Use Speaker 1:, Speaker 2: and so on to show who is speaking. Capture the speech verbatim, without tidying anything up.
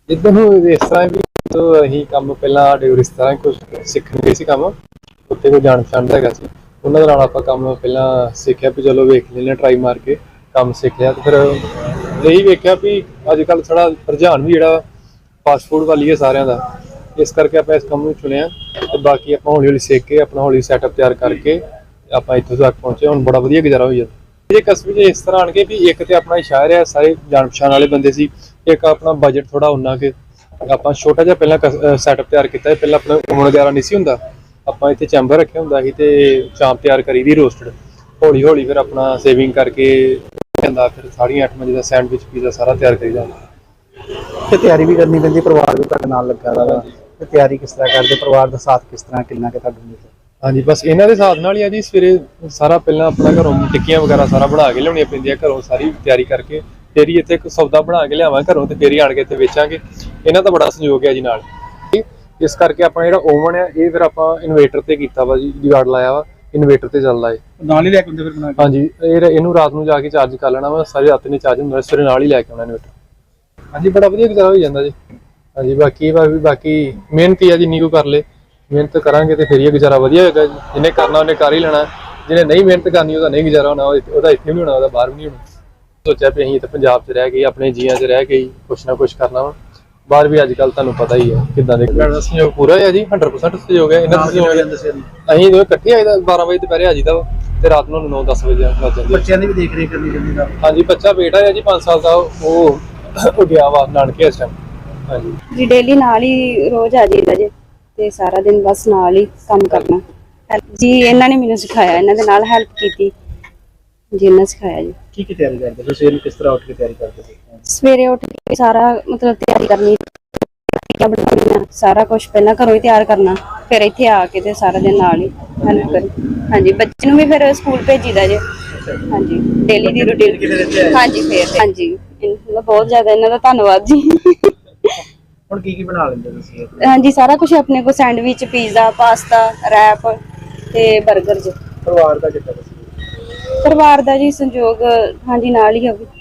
Speaker 1: इधर इस तरह भी तो अं काम पहला रिश्तेदार कुछ सीखने गए काम उत्थे कोई जान पछाण हैगा सी उन्हां दे नाल आपां काम पहला सीखिया भी चलो वेख लेने ट्राई मार के काम सीख लिया तो फिर यही वेख्या भी अजकल थोड़ा रुझान भी जिहड़ा फास्ट फूड वाली है सारिਆਂ ਦਾ इस करके आप इस काम ਨੂੰ चुनिया ਤੇ बाकी आप हौली हौली सीख के अपना हौली सैटअप तैयार करके आप इत्थों तक पहुंचे हुण बड़ा वधिया गुजारा हो जाता ये कस्बे 'ਚ इस तरह आण के भी एक ते अपना शहर है सारे जान पछाण वाले बंदे सी एक अपना बजट थोड़ा उन्ना के ਆਪਾਂ ਛੋਟਾ ਜਿਹਾ ਪਹਿਲਾਂ ਸੈਟਅਪ ਤਿਆਰ ਕੀਤਾ ਪਹਿਲਾਂ ਆਪਣਾ ਹੁਣ ਵਗੈਰਾ ਨਹੀਂ ਸੀ ਹੁੰਦਾ ਆਪਾਂ ਇੱਥੇ ਚੈਂਬਰ ਰੱਖਿਆ ਹੁੰਦਾ ਸੀ ਤੇ ਚਾਂਪ ਤਿਆਰ ਕਰੀ ਦੀ ਰੋਸਟਡ ਹੌਲੀ ਹੌਲੀ ਫਿਰ ਆਪਣਾ ਸੇਵਿੰਗ ਕਰਕੇ ਜਾਂਦਾ ਫਿਰ ਸਾਰੀਆਂ ਅੱਠ ਵਜੇ ਦਾ ਸੈਂਡਵਿਚ ਪੀਜ਼ਾ ਸਾਰਾ ਤਿਆਰ ਕਰੀ ਜਾਂਦਾ
Speaker 2: ਤੇ ਤਿਆਰੀ ਵੀ ਕਰਨੀ ਪੈਂਦੀ ਪਰਿਵਾਰ ਵੀ ਤੁਹਾਡੇ ਨਾਲ ਲੱਗਾ ਦਾ ਤੇ ਤਿਆਰੀ ਕਿਸ ਤਰ੍ਹਾਂ ਕਰਦੇ ਪਰਿਵਾਰ ਦਾ ਸਾਥ ਕਿਸ ਤਰ੍ਹਾਂ ਕਿੰਨਾ ਕਿ ਤੁਹਾਨੂੰ ਮਿਲਦਾ
Speaker 1: ਹਾਂਜੀ ਬਸ ਇਹਨਾਂ ਦੇ ਸਾਥ ਨਾਲ ਹੀ ਆ ਜੀ ਸਵੇਰੇ ਸਾਰਾ ਪਹਿਲਾਂ ਆਪਣਾ ਘਰੋਂ ਟਿੱਕੀਆਂ ਵਗੈਰਾ ਸਾਰਾ ਬਣਾ ਕੇ ਲਿਆਉਣੀਆਂ ਪੈਂਦੀਆਂ ਘਰੋਂ ਸਾਰੀ ਤਿਆਰੀ ਕਰਕੇ ਫਿਰ ਹੀ ਇੱਥੇ ਇੱਕ ਸੌਦਾ ਬਣਾ ਕੇ ਲਿਆਵਾਂ ਘਰੋਂ ਤੇ ਫਿਰ ਹੀ ਆਣ ਕੇ ਇੱਥੇ ਵੇਚਾਂਗੇ ਇਹਨਾਂ ਦਾ ਬੜਾ ਸਹਿਯੋਗ ਹੈ ਜੀ ਨਾਲ ਇਸ ਕਰਕੇ ਆਪਣਾ ਜਿਹੜਾ ਓਵਨ ਹੈ ਇਹ ਫਿਰ ਆਪਾਂ ਇਨਵੇਟਰ ਤੇ ਕੀਤਾ ਵਾ ਜੀ ਜੁਗਾੜ ਲਾਇਆ ਵਾ ਇਨਵੇਟਰ ਤੇ ਚੱਲਦਾ ਹੈ
Speaker 2: ਨਾਲ ਹੀ ਲੈ ਕੇ ਹੁੰਦੇ ਫਿਰ ਬਣਾ ਕੇ
Speaker 1: ਹਾਂਜੀ ਇਹ ਇਹਨੂੰ ਰਾਤ ਨੂੰ ਜਾ ਕੇ ਚਾਰਜ ਕਰ ਲੈਣਾ ਵਾ ਸਾਰੀ ਰਾਤ ਨਹੀਂ ਚਾਰਜ ਹੁੰਦਾ ਸਵੇਰੇ ਨਾਲ ਹੀ ਲੈ ਕੇ ਆਉਣਾ ਇਨਵੇਟਰ ਹਾਂਜੀ ਬੜਾ ਵਧੀਆ ਗੁਜ਼ਾਰਾ ਹੋ ਜਾਂਦਾ ਜੀ ਹਾਂਜੀ ਬਾਕੀ ਬਾਕੀ ਮਿਹਨਤ ਹੀ ਆ ਜਿੰਨੀ ਕੋ ਕਰ ਲੇ ਮਿਹਨਤ ਕਰਾਂਗੇ ਤੇ ਫਿਰ ਇਹ ਗੁਜ਼ਾਰਾ ਵਧੀਆ ਹੋਏਗਾ ਜਿਹਨੇ ਕਰਨਾ ਉਹਨੇ ਕਰ ਹੀ ਲੈਣਾ ਜਿਹਨੇ ਨਹੀਂ ਮਿਹਨਤ ਕਰਨੀ ਉਹਦਾ ਨਹੀਂ ਗੁਜ਼ਾਰਾ ਹੋਣਾ ਉਹਦਾ ਇੱਥੇ ਵੀ ਨਹੀਂ ਹੋਣਾ ਉਹਦਾ ਬਾਹਰ ਵੀ ਨਹੀਂ ਹੋਣਾ सोचा भी अं पंजाब च रह गए अपने जिया च रह गई कुछ ना कुछ करना वा बाहर भी अजकल तुहानूं पता ही है किदां दे सहयोग पूरा है जी हंड्रेड परसेंट सहयोग है इन्हां दा सहयोग असीं दोवें इकट्ठे आईदा बारह बजे दोपहरे आ जाईदा वा ते रात नूं नौ दस बजे आ जांदे
Speaker 2: बच्चों की भी देख रेख करनी पैंदी है
Speaker 1: हाँ जी बच्चा बेटा है जी पाँच साल का वो गया वा नानके इस टाइम हाँ जी
Speaker 3: जी डेली नाल ही रोज आ जाईदा जी ते सारा दिन बस नाल ही काम करना जी इन्हां ने मैनूं सिखाया इन्हां दे नाल हेल्प कीती जी इन्हां सिखाया जी
Speaker 2: की की तैयारी करते हो सवेरे किस तरह उठ के तैयारी करते हो
Speaker 3: सवेरे उठ के सारा मतलब तैयारी करनी क्या बनाना सारा कुछ पहला घरों ही तैयार करना फिर इत्थे आके ते सारा दिन नाल ही हेल्प करी हाँ जी बच्चे नूं भी फिर स्कूल भेजीदा जे हाँ जी डेली दी रूटीन हाँ जी फिर हाँ जी मतलब बहुत ज्यादा इन्हां दा धन्नवाद जी
Speaker 2: हुण की की बना लैंदे तुसीं
Speaker 3: हाँ जी सारा कुछ अपने को सैंडविच पिज़्ज़ा पास्ता रैप ते बर्गर जी
Speaker 2: परिवार दा कितना
Speaker 3: परिवार दा जी संयोग हाँ जी नाल ही है